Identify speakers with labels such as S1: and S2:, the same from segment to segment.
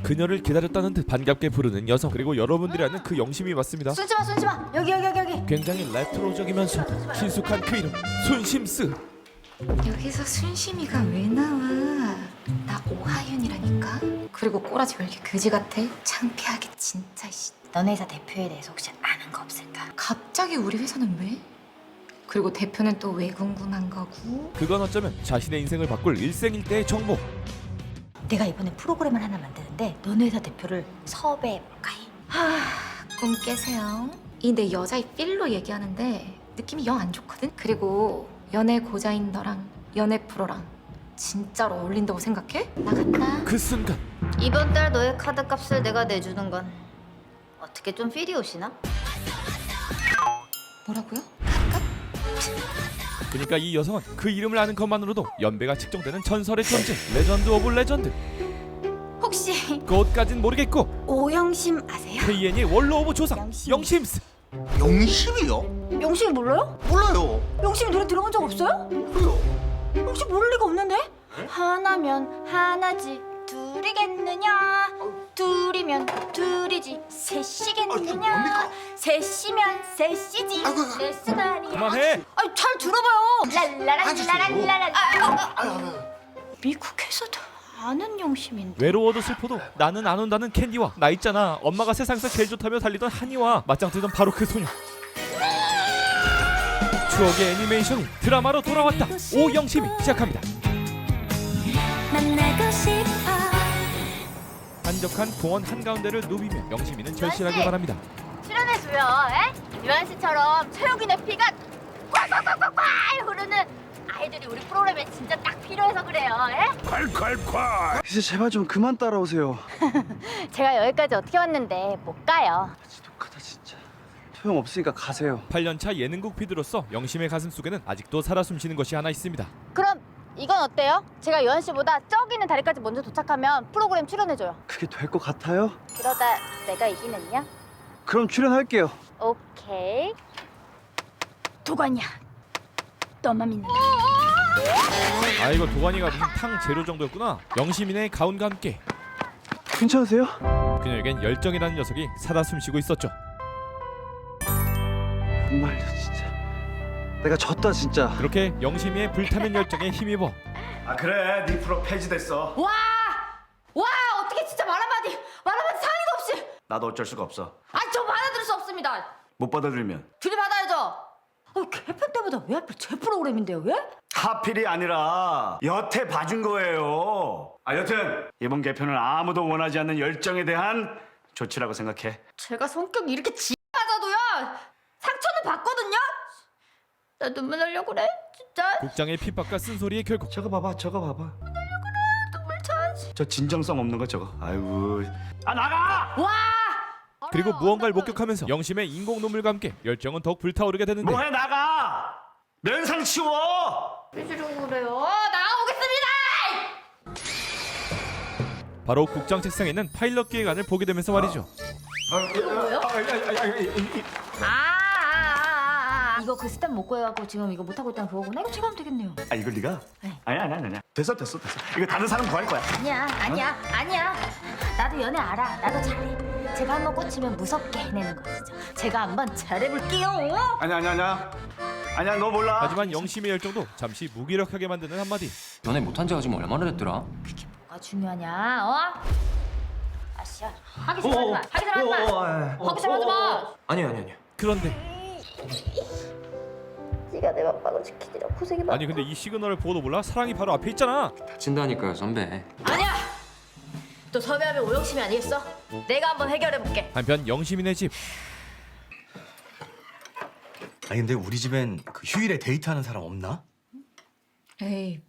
S1: 그녀를 기다렸다는 듯 반갑게 부르는 여성, 그리고 여러분들이 아는 그 영심이 맞습니다.
S2: 순심아 여기
S1: 굉장히 레트로적이면서 친숙한 그 이름 순심스.
S2: 여기서 순심이가 왜 나와? 나 오하윤이라니까. 그리고 꼬라지 왜 이렇게 그지 같아? 창피하게 진짜. 너네 회사 대표에 대해서 혹시 아는 거 없을까? 갑자기 우리 회사는 왜? 그리고 대표는 또 왜 궁금한 거고?
S1: 그건 어쩌면 자신의 인생을 바꿀 일생일대의 정보.
S2: 내가 이번에 프로그램을 하나 만드는데 너네 회사 대표를 섭외해볼까 해. 꿈 깨세요. 이 내 여자의 필로 얘기하는데 느낌이 영 안 좋거든? 그리고 연애 고자인 너랑 연애 프로랑 진짜로 어울린다고 생각해? 나 간다.
S1: 그 순간
S3: 이번 달 너의 카드 값을 내가 내주는 건 어떻게 좀 필이 오시나?
S2: 뭐라고요?
S1: 그러니까 이 여성은 그 이름을 아는 것만으로도 연배가 측정되는 전설의 존재, 레전드 오브 레전드.
S2: 혹시
S1: 그것까진 모르겠고
S2: 오영심 아세요?
S1: KN의 원로 오브 조상
S2: 영심.
S1: 영심스.
S4: 영심이요?
S2: 영심이 몰라요?
S4: 몰라요.
S2: 영심이 노래 들어본 적 없어요?
S4: 그래요.
S2: 영심 모를 리가 없는데? 하나면 하나지 둘이겠느냐 둘이면 둘이지 셋이겠느냐
S4: 뭡니까?
S2: 셋이면 셋이지
S4: 아이고.
S2: 넷스나리.
S1: 그만해.
S2: 잘 들어봐요. 랄라랄라랄라랄라.
S4: 아유.
S2: 미국에서도 아는 영심인데.
S1: 외로워도 슬퍼도 나는 안 온다는 캔디와 나 있잖아 엄마가 세상에서 제일 좋다며 달리던 한이와 맞짱 뜨던 바로 그 소녀. 추억의 애니메이션이 드라마로 돌아왔다. 오영심이 시작합니다.
S2: 만나고 싶어.
S1: 한적한 공원 한가운데를 누비며 영심이는 절실하게 말합니다.
S3: 출연해줘요, 에? 유한 씨처럼 최욱이네 피가 콸콸콸콸콸 흐르는 아이들이 우리 프로그램에 진짜 딱 필요해서 그래요, 에?
S5: 이제 제발 좀 그만 따라오세요.
S3: 제가 여기까지 어떻게 왔는데 못 가요.
S5: 지독하다 진짜. 소용 없으니까 가세요.
S1: 8년차 예능국 PD로서 영심의 가슴 속에는 아직도 살아 숨쉬는 것이 하나 있습니다.
S3: 그럼 이건 어때요? 제가 유한 씨보다 저기 있는 다리까지 먼저 도착하면 프로그램 출연해줘요.
S5: 그게 될 것 같아요?
S3: 그러다 내가 이기면요?
S5: 그럼 출연할게요.
S3: 오케이.
S2: 도관이야. 너만 믿는.
S1: 아 이거 도가니가 무슨 탕 재료 정도였구나. 영심이네 가운과 함께
S5: 괜찮으세요?
S1: 그녀에겐 열정이라는 녀석이 살아 숨쉬고 있었죠.
S5: 정말요 진짜. 내가 졌다 진짜.
S1: 그렇게 영심이의 불타는 열정에 힘입어
S6: 아 그래 네 프로 폐지됐어.
S2: 와 어떻게 진짜 말 한마디 상의도 없이.
S6: 나도 어쩔 수가 없어.
S2: 저 받아들일 수 없습니다.
S6: 못 받아들이면
S2: 들이받아야죠. 개편 때보다 왜 하필 제 프로그램인데요? 왜?
S6: 하필이 아니라 여태 봐준 거예요. 아 여튼 이번 개편은 아무도 원하지 않는 열정에 대한 조치라고 생각해.
S2: 제가 성격이 이렇게 지하자도요 상처는 받거든요. 나 눈물 나려고 그래 진짜.
S1: 국장의 핍박과 쓴소리의 결국
S6: 저거 봐봐 저거 봐봐.
S2: 눈물 차.
S6: 저 진정성 없는 거 저거. 아이고 아 나가.
S2: 와.
S1: 그리고 무언가를 목격하면서 영심의 인공 눈물과 함께 열정은 더욱 불타오르게 되는데
S6: 뭐해 나가. 면상 치워.
S2: 삐지르고 그래요. 나오겠습니다.
S1: 바로 국장 책상에 있는 파일럿 기획안을 보게 되면서 말이죠.
S2: 이거 그 스텝 못 구해갖고 지금 이거 못하고 있다는 그거구나. 이거 제가 하면 되겠네요.
S6: 아 이걸 네가?
S2: 네.
S6: 아니야. 됐어. 이거 다른 사람 구할 거야.
S2: 아니야. 나도 연애 알아. 나도 잘해. 제가 한번 꽂히면 무섭게 해내는 거죠. 제가 한번 잘해볼게요.
S6: 아니야 너 몰라.
S1: 하지만 영심의 열정도 잠시 무기력하게 만드는 한마디.
S7: 연애 못한 지가 지금 얼마나 됐더라?
S2: 뭐가 중요하냐? 아씨야. 하기 싫어하지 마. 하기 싫어하지 마.
S7: 아니요.
S1: 그런데
S3: 네가 내 맘마저 지키느라 고생이 많아.
S1: 아니 근데 이 시그널을 보고도 몰라? 사랑이 바로 앞에 있잖아.
S7: 다친다니까요 선배.
S2: 아니야. 또 섭외하면 오영심이 아니겠어? 내가 한번 해결해볼게.
S1: 한편 영심이네 집.
S4: 아니 근데 우리 집엔 그 휴일에 데이트하는 사람 없나?
S8: 에이,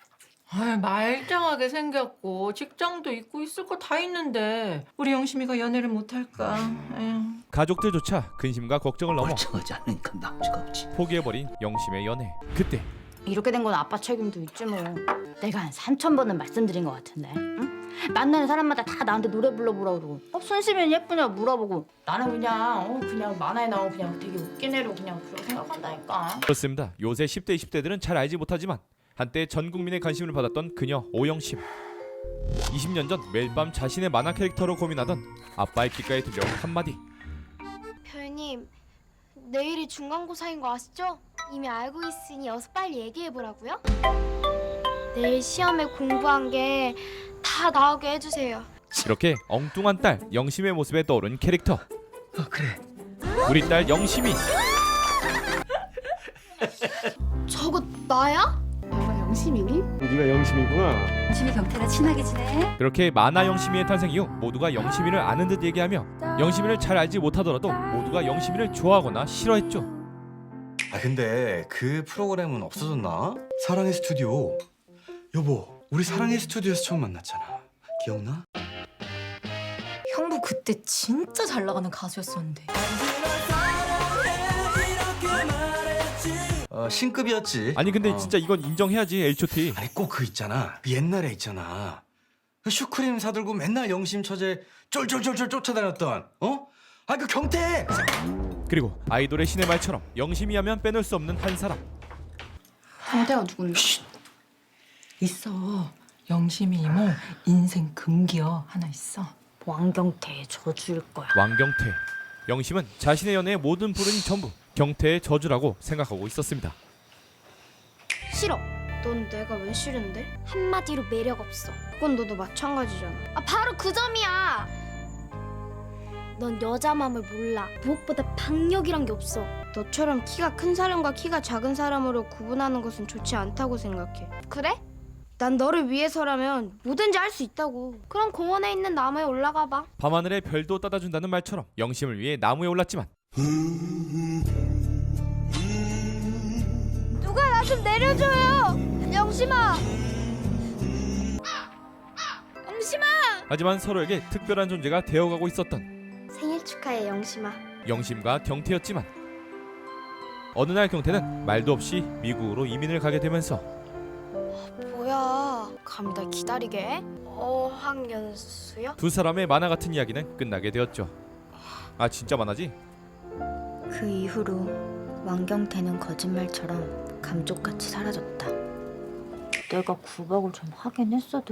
S8: 말짱하게 생겼고 직장도 있고 있을 거 다 있는데 우리 영심이가 연애를 못할까? 에휴.
S1: 가족들조차 근심과 걱정을 넘어
S4: 멀쩡하지 않으니까 남자가 없지.
S1: 포기해버린 영심의 연애. 그때
S2: 이렇게 된 건 아빠 책임도 있지 뭐. 내가 한 3,000번은 말씀드린 것 같은데. 응? 만나는 사람마다 다 나한테 노래 불러보라고 그러고 순심이는 예쁘냐 물어보고 나는 그냥 만화에 나온 그냥 되게 웃긴 애로 그냥 그렇게 생각한다니까.
S1: 그렇습니다. 요새 10대 20대들은 잘 알지 못하지만 한때 전 국민의 관심을 받았던 그녀 오영심. 20년 전 매일 밤 자신의 만화 캐릭터로 고민하던 아빠의 귓가에 들려온 한마디.
S9: 별님, 내일이 중간고사인 거 아시죠? 이미 알고 있으니 어서 빨리 얘기해보라고요? 내일 시험에 공부한 게 다 나오게 해주세요.
S1: 이렇게 엉뚱한 딸 영심의 모습에 떠오른 캐릭터.
S5: 그래.
S1: 우리 딸 영심이.
S9: 저거 나야? 너가 영심이니?
S5: 네가 영심이구나.
S3: 심이 경태랑 친하게 지내?
S1: 그렇게 만화 영심이의 탄생 이후 모두가 영심이를 아는 듯 얘기하며 영심이를 잘 알지 못하더라도 모두가 영심이를 좋아하거나 싫어했죠.
S4: 아 근데 그 프로그램은 없어졌나? 사랑의 스튜디오. 여보, 우리 사랑의 스튜디오에서 처음 만났잖아. 기억나?
S2: 형부 그때 진짜 잘 나가는 가수였었는데.
S4: 신급이었지.
S1: 아니 근데 진짜 이건 인정해야지. H.O.T.
S4: 아니 꼭 그 있잖아. 그 옛날에 있잖아. 그 슈크림 사들고 맨날 영심 처제 쫄쫄쫄쫄 쫓아다녔던 아 그 경태.
S1: 그리고 아이돌의 신의 말처럼 영심이 하면 빼놓을 수 없는 한 사람.
S8: 경태가 누군데? 있어. 영심이 이모 인생 금기어 하나 있어.
S3: 왕경태의 저주일 거야.
S1: 왕경태. 영심은 자신의 연애의 모든 불운이 전부 경태의 저주라고 생각하고 있었습니다.
S9: 싫어. 넌 내가 왜 싫은데? 한마디로 매력 없어. 그건 너도 마찬가지잖아. 아 바로 그 점이야. 넌 여자 마음을 몰라. 무엇보다 박력이란 게 없어. 너처럼 키가 큰 사람과 키가 작은 사람으로 구분하는 것은 좋지 않다고 생각해. 그래? 난 너를 위해서라면 뭐든지 할 수 있다고. 그럼 공원에 있는 나무에 올라가 봐.
S1: 밤하늘의 별도 따다준다는 말처럼 영심을 위해 나무에 올랐지만
S9: 누가 나 좀 내려줘요. 영심아. 영심아.
S1: 하지만 서로에게 특별한 존재가 되어가고 있었던
S9: 생일 축하해 영심아.
S1: 영심과 경태였지만 어느 날 경태는 말도 없이 미국으로 이민을 가게 되면서
S9: 뭐야? 감히 날 기다리게 해? 어학연수요?
S1: 두 사람의 만화 같은 이야기는 끝나게 되었죠. 아 진짜 만화지?
S3: 그 이후로 왕경태는 거짓말처럼 감쪽같이 사라졌다. 내가 구박을 좀 하긴 했어도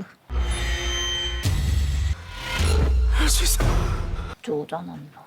S4: 할 수 있어.
S3: 쪼잔한다.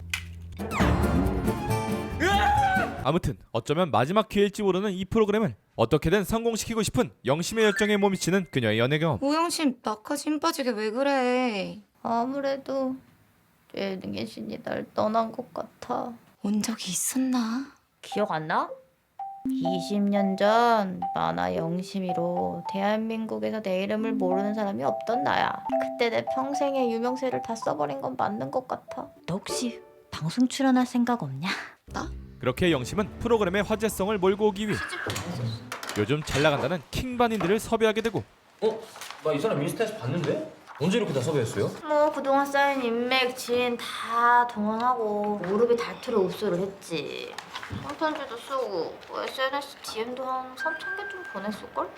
S1: 아무튼 어쩌면 마지막 기회일지 모르는 이 프로그램을 어떻게든 성공시키고 싶은 영심의 열정에 몸치는 그녀의 연애 경험.
S2: 오영심 나까지 힘 빠지게 왜 그래?
S3: 아무래도 예능의 신이 날 떠난 것 같아.
S2: 온 적이 있었나?
S3: 기억 안 나? 20년 전 만화 영심이로 대한민국에서 내 이름을 모르는 사람이 없던 나야. 그때 내 평생의 유명세를 다 써버린 건 맞는 것 같아. 너 혹시 방송 출연할 생각 없냐?
S1: 그렇게 영심은 프로그램의 화제성을 몰고 오기 위해 요즘 잘 나간다는 킹반인들을 섭외하게 되고
S7: 나 이 사람 인스타에서 봤는데? 언제 이렇게 다 섭외했어요?
S3: 뭐 그동안 쌓인 인맥, 지인 다 동원하고 무릎이 닳도록 흡수를 했지. 편지도 쓰고 뭐 SNS DM도 한 3,000개 좀 보냈을걸?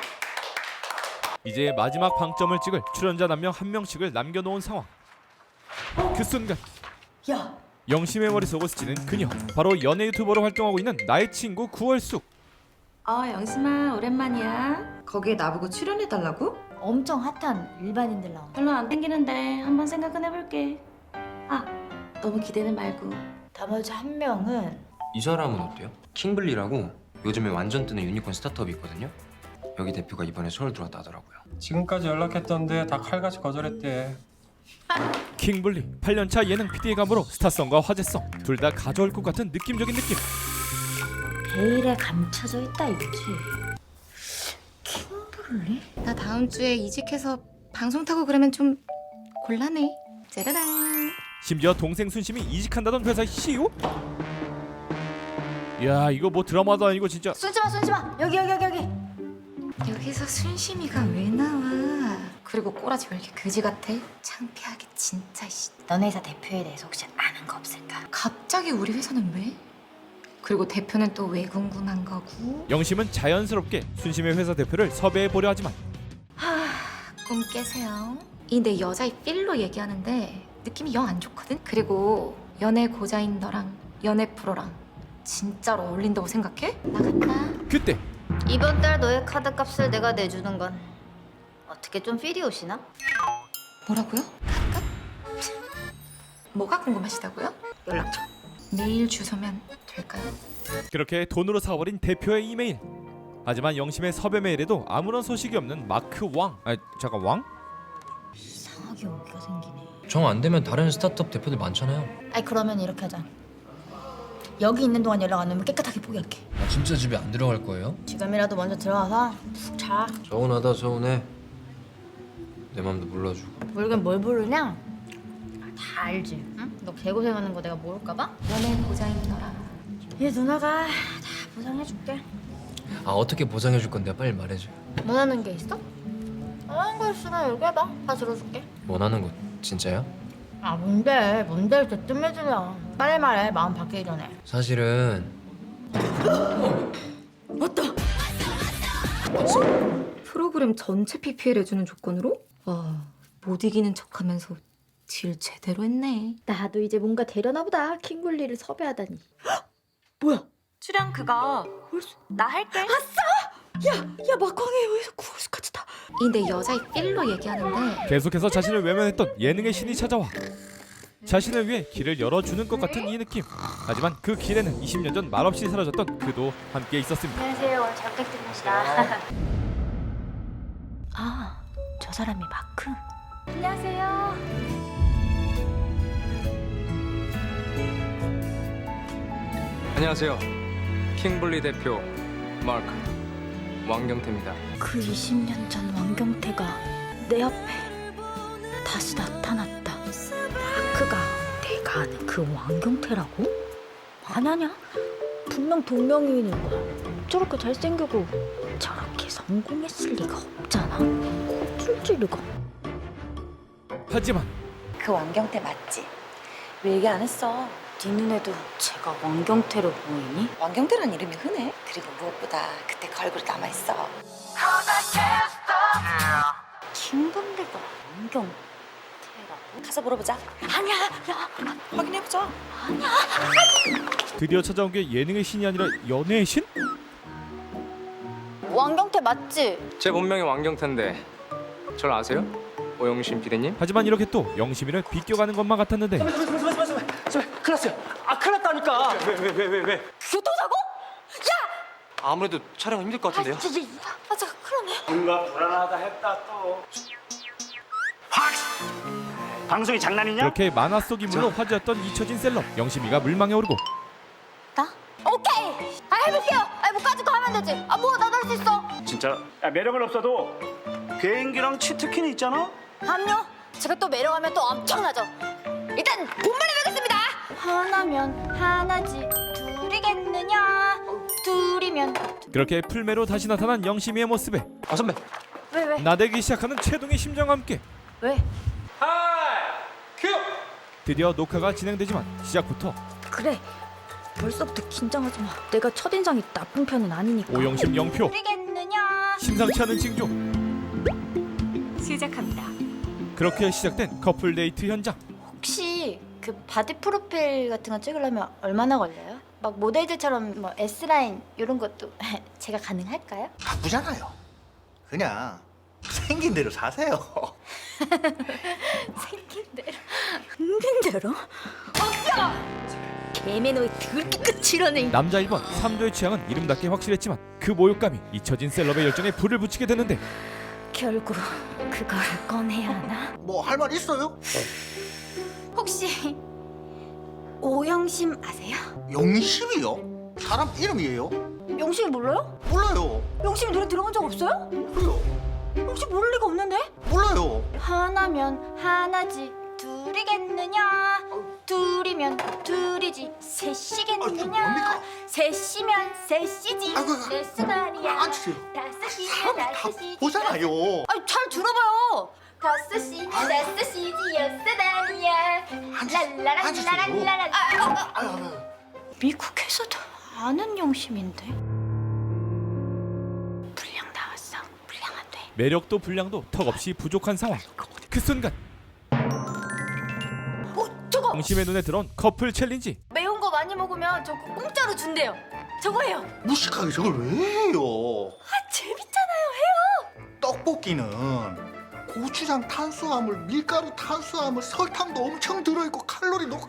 S1: 이제 마지막 방점을 찍을 출연자 한 명 한 명씩을 남겨놓은 상황. 그 순간 영심의 머릿속을 스치는 그녀, 바로 연예 유튜버로 활동하고 있는 나의 친구 구월숙.
S8: 영심아 오랜만이야. 거기에 나보고 출연해달라고?
S3: 엄청 핫한 일반인들 나온.
S8: 별로 안 땡기는데 한번 생각은 해볼게. 너무 기대는 말고.
S3: 나머지 한 명은
S7: 이 사람은 어때요? 킹블리라고 요즘에 완전 뜨는 유니콘 스타트업이 있거든요. 여기 대표가 이번에 서울 들어왔다 하더라고요.
S10: 지금까지 연락했던데 다 칼같이 거절했대.
S1: 킹블리 8년차 예능 PD의 감으로 스타성과 화제성 둘 다 가져올 것 같은 느낌적인 느낌.
S3: 베일에 감춰져 있다 이거지.
S2: 나 다음 주에 이직해서 방송 타고 그러면 좀 곤란해. 짜라란.
S1: 심지어 동생 순심이 이직한다던 회사의 CEO? 야 이거 뭐 드라마도 아니고 진짜.
S3: 순심아 여기.
S2: 여기서 순심이가 왜 나와? 그리고 꼬라지 왜 이렇게 그지 같아? 창피하게 진짜 씨.
S3: 너네 회사 대표에 대해서 혹시 아는 거 없을까?
S2: 갑자기 우리 회사는 왜? 그리고 대표는 또 왜 궁금한 거고?
S1: 영심은 자연스럽게 순심의 회사 대표를 섭외해보려 하지만
S2: 꿈 깨세요. 이 내 여자의 필로 얘기하는데 느낌이 영 안 좋거든? 그리고 연애 고자인 너랑 연애 프로랑 진짜로 어울린다고 생각해? 나간다.
S1: 그때
S3: 이번 달 너의 카드 값을 내가 내주는 건 어떻게 좀 필이 오시나?
S2: 뭐라고요? 가끔? 뭐가 궁금하시다고요?
S3: 연락처.
S2: 메일 주소면 될까요?
S1: 그렇게 돈으로 사버린 대표의 이메일. 하지만 영심의 섭외 메일에도 아무런 소식이 없는 마크 왕. 잠깐 왕?
S3: 이상하게 오기가 생기네.
S7: 정 안 되면 다른 스타트업 대표들 많잖아요.
S3: 아니 그러면 이렇게 하자. 여기 있는 동안 연락 안 오면 깨끗하게 포기할게.
S7: 아, 진짜 집에 안 들어갈 거예요?
S3: 지금이라도 먼저 들어가서 푹 자.
S7: 서운하다 서운해. 내 맘도 몰라주고.
S3: 모르긴 뭘 부르냐? 다 알지. 응? 너 개고생하는 거 내가 모를까 봐?
S2: 연애 보장인 너라.
S3: 얘 누나가 다 보상해줄게.
S7: 아 어떻게 보상해줄 건데 빨리 말해줘.
S3: 원하는 게 있어? 원하는 거 있으면 얘기해봐. 다 들어줄게.
S7: 원하는 거 진짜야?
S3: 아 뭔데? 뭔데 이렇게 뜸해지냐? 빨리 말해. 마음 바뀌기 전에.
S7: 사실은
S2: 프로그램 전체 PPL 해주는 조건으로? 와, 못 이기는 척하면서 질 제대로 했네.
S3: 나도 이제 뭔가 되려나 보다. 킹블리를 섭외하다니. 뭐야?
S2: 출연 그거 나 할게.
S3: 야 막광에 왜 구울스까지다.
S2: 이 내 여자의 필로 얘기하는데
S1: 계속해서 자신을 외면했던 예능의 신이 찾아와 자신을 위해 길을 열어주는 것 같은 이 느낌. 하지만 그 길에는 20년 전 말없이 사라졌던 그도 함께 있었습니다.
S3: 안녕하세요. 오늘 잘 부탁드립니다. 아, 저 사람이 마크? 안녕하세요.
S10: 안녕하세요. 킹블리 대표 마크 왕경태입니다.
S3: 그 20년 전 왕경태가 내 앞에 다시 나타났다. 마크가 내가 아는 그 왕경태라고? 아냐냐? 분명 동명이인일 거야. 저렇게 잘생기고 저렇게 성공했을 리가 없잖아. 꼽힐 리가.
S1: 하지만
S11: 그 왕경태 맞지? 왜 얘기 안 했어?
S3: 네 눈에도 제가 왕경태로 보이니?
S11: 왕경태란 이름이 흔해. 그리고 무엇보다 그때 그 얼굴이 남아있어.
S3: 킹블리가 왕경태라고?
S11: 가서 물어보자.
S3: 아니야, 야,
S11: 확인해보자.
S1: 드디어 찾아온 게 예능의 신이 아니라 연애의 신?
S3: 왕경태 맞지?
S10: 제 본명이 왕경태인데 절 아세요? 오영신 비대님?
S1: 하지만 이렇게 또 영심이를 비껴가는 것만 같았는데
S5: 큰일 났어요. 아 큰일 났다니까. 왜?
S3: 교통사고?
S10: 아무래도 촬영 힘들 것 같은데요?
S3: 아, 잠깐 큰일 났네.
S6: 뭔가 불안하다 했다 또. 확! 방송이 장난이냐?
S1: 그렇게 만화 속 인물로 화제였던 잊혀진 셀럽 영심이가 물망에 오르고
S3: 나? 오케이! 해볼게요! 뭐 가지고 하면 되지. 뭐 나도 할 수 있어.
S6: 진짜 야, 매력은 없어도 개인기랑 치트키는 있잖아?
S3: 함요? 제가 또 매력하면 또 엄청나죠. 일단 본말을 배우겠습니다. 하나면 하나지 둘이겠느냐? 둘이면
S1: 그렇게 풀매로 다시 나타난 영심이의 모습에
S10: 아 선배.
S3: 왜?
S1: 나대기 시작하는 최동의 심정과 함께
S3: 왜?
S1: 드디어 녹화가 진행되지만 시작부터
S3: 그래. 벌써부터 긴장하지 마. 내가 첫인상이 나쁜 편은 아니니까.
S1: 오영심 영표
S3: 둘이겠느냐?
S1: 심상치 않은 징조.
S2: 시작합니다.
S1: 그렇게 시작된 커플 데이트 현장.
S3: 혹시 그 바디 프로필 같은 거 찍으려면 얼마나 걸려요? 막 모델들처럼 뭐 S라인 이런 것도 제가 가능할까요?
S12: 바쁘잖아요. 그냥 생긴 대로 사세요.
S3: 생긴 대로 생긴 대로? 없어! 개매너의 더럽게 끝이라네.
S1: 남자 1번 3조의 취향은 이름답게 확실했지만 그 모욕감이 잊혀진 셀럽의 열정에 불을 붙이게 되는데
S3: 결국 그걸 꺼내야 하나?
S12: 뭐 할 말 있어요?
S3: 혹시 오영심 아세요?
S12: 영심이요? 사람 이름이에요?
S3: 영심이 몰라요?
S12: 몰라요.
S3: 영심이 노래 들어본 적 없어요?
S12: 그래요?
S3: 영심 모를 리가 없는데?
S12: 몰라요.
S3: 하나면 하나지 둘이겠느냐? 둘이면 둘이지 셋이겠느냐?
S12: 뭡니까?
S3: 셋이면 셋이지
S12: 아이고,
S3: 넷수다리야
S12: 앉으세요.
S3: 다섯이면 다섯이지
S12: 보잖아요.
S3: 아니 잘 들어봐요. 다섯이지 다섯이지 여섯다리야 랄라랄라랄라랄라. 미국에서도 아는 영심인데 불량 나왔어. 불량 안 돼.
S1: 매력도 분량도 턱없이 부족한 상황. 그 순간
S3: 저거
S1: 영심의 눈에 들어온 커플 챌린지.
S3: 매운 거 많이 먹으면 저거 공짜로 준대요. 저거예요.
S12: 무식하게 저걸 왜 해요?
S3: 아 재밌잖아요. 해요.
S12: 떡 떡볶이는 고추장 탄수화물, 밀가루 탄수화물, 설탕도 엄청 들어있고 칼로리 높고.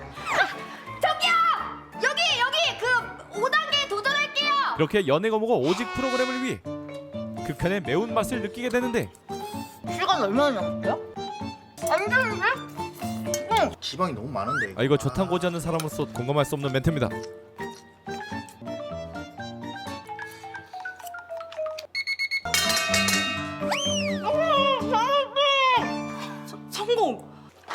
S9: 저기요! 여기 그 5단계 도전할게요.
S1: 그렇게 연애 거모가 오직 프로그램을 위해 극한의 매운맛을 느끼게 되는데
S3: 시간 얼마나 남았어요? 안 되는데?
S12: 지방이 너무 많은데.
S1: 이거 저탄고지 않는 사람으로서 공감할 수 없는 멘트입니다.
S11: 성공.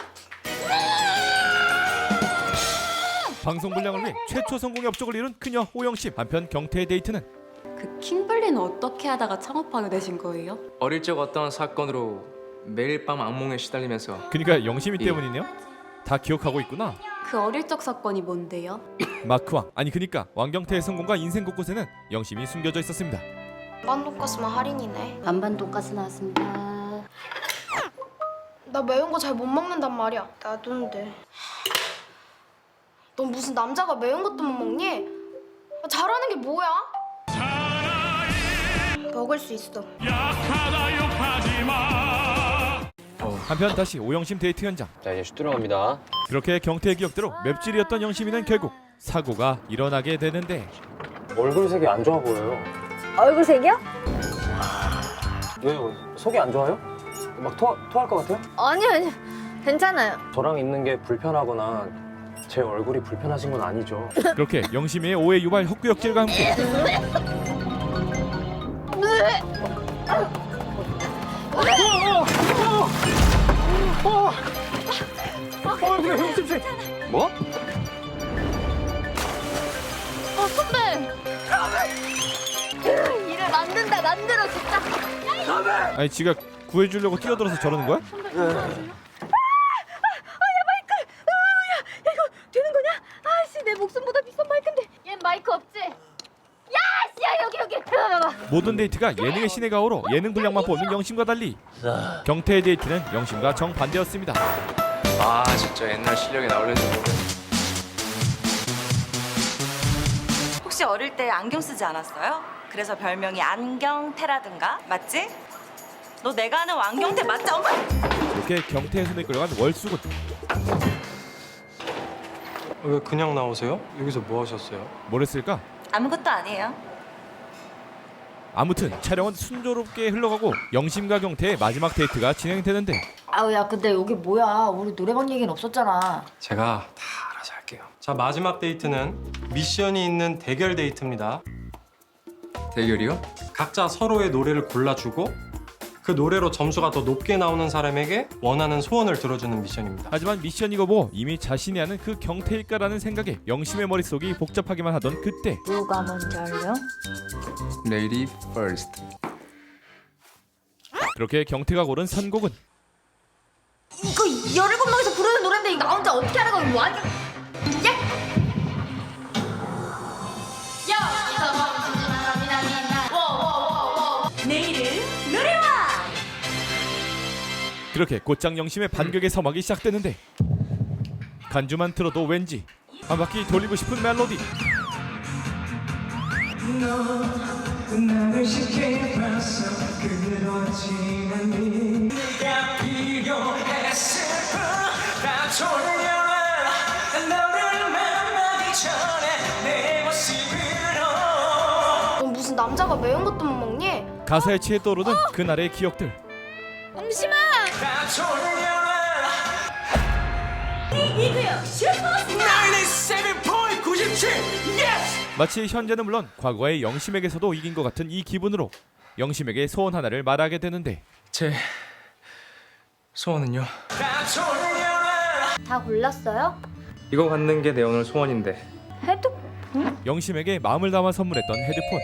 S1: 방송 분량을 위해 최초 성공의 업적을 이룬 그녀 오영심. 한편 경태의 데이트는
S11: 그 킴블리는 어떻게 하다가 창업하게 되신 거예요?
S10: 어릴 적 어떤 사건으로 매일 밤 악몽에 시달리면서
S1: 그러니까 영심이
S10: 예.
S1: 때문이네요. 다 기억하고 있구나.
S11: 그 어릴 적 사건이 뭔데요?
S1: 마크왕 아니 그니까 왕경태의 성공과 인생 곳곳에는 영심이 숨겨져 있었습니다.
S9: 반반 돈가스만 할인이네.
S11: 반반 돈가스 나왔습니다.
S9: 나 매운 거 잘 못 먹는단 말이야. 나도인데. 넌 무슨 남자가 매운 것도 못 먹니? 잘하는 게 뭐야? 먹을 수 있어.
S1: 한편 다시 오영심 데이트 현장.
S10: 자 이제 슛 들어갑니다.
S1: 그렇게 경태의 기억대로 맵찔이었던 영심이는 결국 사고가 일어나게 되는데
S10: 얼굴색이 안 좋아 보여요.
S3: 얼굴색이요?
S10: 왜요? 속이 안 좋아요? 막 토할 것 같아요?
S3: 아니요. 괜찮아요.
S10: 저랑 있는 게 불편하거나 제 얼굴이 불편하신 건 아니죠?
S1: 그렇게 영심이의 오해 유발 헛구역질과 함께
S10: 뭐?
S3: 선배! 일을 만들어 진짜.
S1: 아니 지가 구해주려고 뛰어들어서 저러는 거야?
S3: 되는 거냐? 아씨 내 목숨보다 비싼 마이크인데. 얜 마이크 없지? 야 여기. 봐봐.
S1: 모든 데이트가 예능의 신의 가오로 예능 분량만 뽑는 영심과 달리 경태의 데이트는 영심과 정반대였습니다.
S10: 아 진짜 옛날 실력이 나오려는지 모르겠네.
S11: 혹시 어릴 때 안경 쓰지 않았어요? 그래서 별명이 안경태라든가 맞지? 너 내가 아는 왕경태 맞지? 엄마!
S1: 이렇게 경태의 손에 끌려간 월수군.
S7: 왜 그냥 나오세요? 여기서 뭐 하셨어요?
S1: 뭘 했을까?
S11: 아무것도 아니에요.
S1: 아무튼 촬영은 순조롭게 흘러가고 영심과 경태의 마지막 데이트가 진행되는데
S3: 아우 야 근데 여기 뭐야? 우리 노래방 얘기는 없었잖아.
S7: 제가 다 알아서 할게요. 자 마지막 데이트는 미션이 있는 대결 데이트입니다.
S10: 대결이요?
S7: 각자 서로의 노래를 골라주고 그 노래로 점수가 더 높게 나오는 사람에게 원하는 소원을 들어주는 미션입니다.
S1: 하지만 미션이고 뭐 이미 자신이 아는 그 경태일까라는 생각에 영심의 머릿속이 복잡하기만 하던 그때
S3: 누가 먼저 할래요?
S10: Lady First.
S1: 그렇게 경태가 고른 선곡은
S3: 이거 17명이서 부르는 노래인데 이거 나 혼자 어떻게 하는 거야? 이거 완전
S1: 그렇게 곧장 영심의 반격의 서막이 시작되는데 간주만 들어도 왠지 한 바퀴 돌리고 싶은 멜로디.
S9: 넌 무슨 남자가 매운 것도 못 먹니?
S1: 가사에 취해 떠오르는 그날의 기억들.
S9: 영심아!
S1: 마치 현재는 물론 과거의 영심에게서도 이긴 것 같은 이 기분으로 영심에게 소원 하나를 말하게 되는데
S10: 제 소원은요?
S3: 다 골랐어요?
S10: 이거 갖는 게 내 오늘 소원인데.
S1: 영심에게 마음을 담아 선물했던 헤드폰.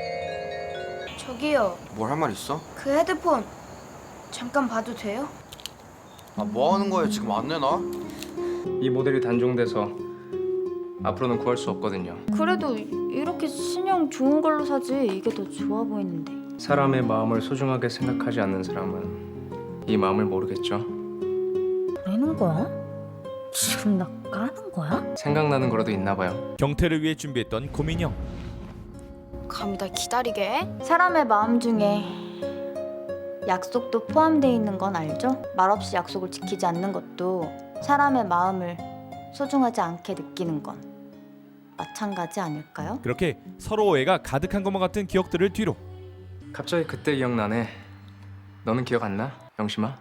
S9: 저기요.
S12: 뭘 할 말 있어?
S9: 그 헤드폰 잠깐 봐도 돼요?
S12: 아, 뭐 하는 거야 지금 안 내놔?
S10: 이 모델이 단종돼서 앞으로는 구할 수 없거든요.
S3: 그래도 이렇게 신형 좋은 걸로 사지 이게 더 좋아 보이는데.
S10: 사람의 마음을 소중하게 생각하지 않는 사람은 이 마음을 모르겠죠.
S3: 내는 거야? 지금 나 까는 거야?
S10: 생각나는 거라도 있나 봐요.
S1: 경태를 위해 준비했던 고민형.
S9: 감히 날 기다리게 해?
S3: 사람의 마음 중에 약속도 포함되어 있는 건 알죠? 말없이 약속을 지키지 않는 것도 사람의 마음을 소중하지 않게 느끼는 건 마찬가지 아닐까요?
S1: 그렇게 서로 오해가 가득한 것만 같은 기억들을 뒤로
S10: 갑자기 그때 기억나네. 너는 기억 안 나? 영심아?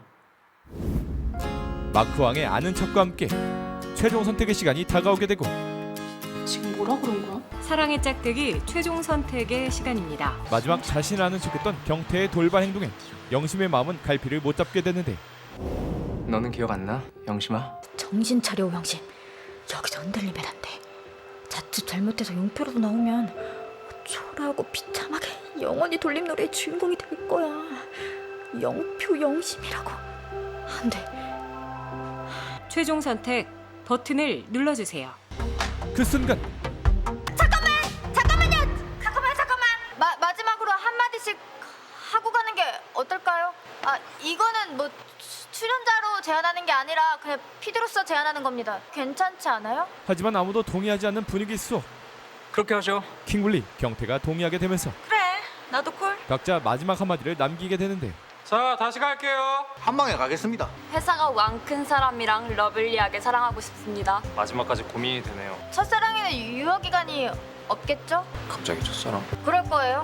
S1: 마크왕의 아는 척과 함께 최종 선택의 시간이 다가오게 되고
S8: 지금 뭐라 그런 거야?
S13: 사랑의 짝대기 최종 선택의 시간입니다.
S1: 마지막 자신을 아는 척했던 경태의 돌발 행동에 영심의 마음은 갈피를 못 잡게 되는데
S10: 너는 기억 안 나? 영심아?
S3: 정신 차려 영심. 여기서 흔들리면 안 돼. 자칫 잘못해서 용표라도 나오면 초라하고 비참하게 영원히 돌림노래의 주인공이 될 거야. 영표 영심이라고. 안 돼.
S13: 최종 선택 버튼을 눌러주세요.
S1: 그 순간
S3: 마지막으로 한마디씩 하고 가는 게 어떨까요? 아, 이거는 뭐 출연자로 제안하는 게 아니라 그냥 피디로서 제안하는 겁니다. 괜찮지 않아요?
S1: 하지만 아무도 동의하지 않는 분위기 속
S10: 그렇게 하죠.
S1: 킹블리, 경태가 동의하게 되면서
S11: 그래, 나도 콜.
S1: 각자 마지막 한마디를 남기게 되는데
S10: 자, 다시 갈게요.
S12: 한 방에 가겠습니다.
S11: 회사가 왕 큰 사람이랑 러블리하게 사랑하고 싶습니다.
S10: 마지막까지 고민이 되네요.
S3: 첫사랑에는 유효 기간이 없겠죠?
S7: 갑자기 첫사랑?
S3: 그럴 거예요.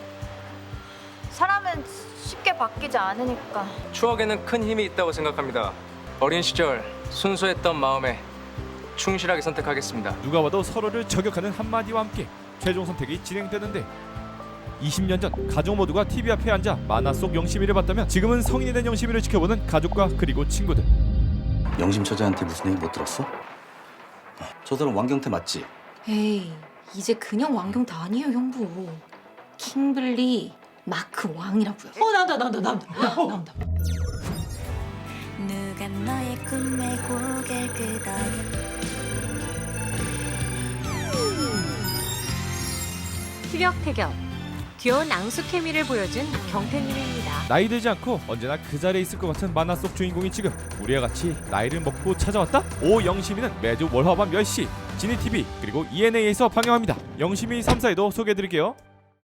S3: 사람은 쉽게 바뀌지 않으니까.
S10: 추억에는 큰 힘이 있다고 생각합니다. 어린 시절 순수했던 마음에 충실하게 선택하겠습니다.
S1: 누가 봐도 서로를 저격하는 한마디와 함께 최종 선택이 진행되는데 20년 전 가족 모두가 TV 앞에 앉아 만화 속 영심이를 봤다면 지금은 성인이 된 영심이를 지켜보는 가족과 그리고 친구들.
S4: 영심 처자한테 무슨 얘기 못 들었어? 저 사람 왕경태 맞지?
S2: 에이, 이제 그냥 왕경태 아니에요, 형부. 킹블리 마크 왕이라고요.
S8: 나온다.
S9: 누가 너의 꿈에 고개를 끄덕여
S13: 티격태격 귀여운 앙수 케미를 보여준 경태님입니다.
S1: 나이 들지 않고 언제나 그 자리에 있을 것 같은 만화 속 주인공이 지금 우리와 같이 나이를 먹고 찾아왔다? 오영심이는 매주 월화밤 10시 지니TV 그리고 ENA에서 방영합니다. 영심이 3사에도 소개해드릴게요.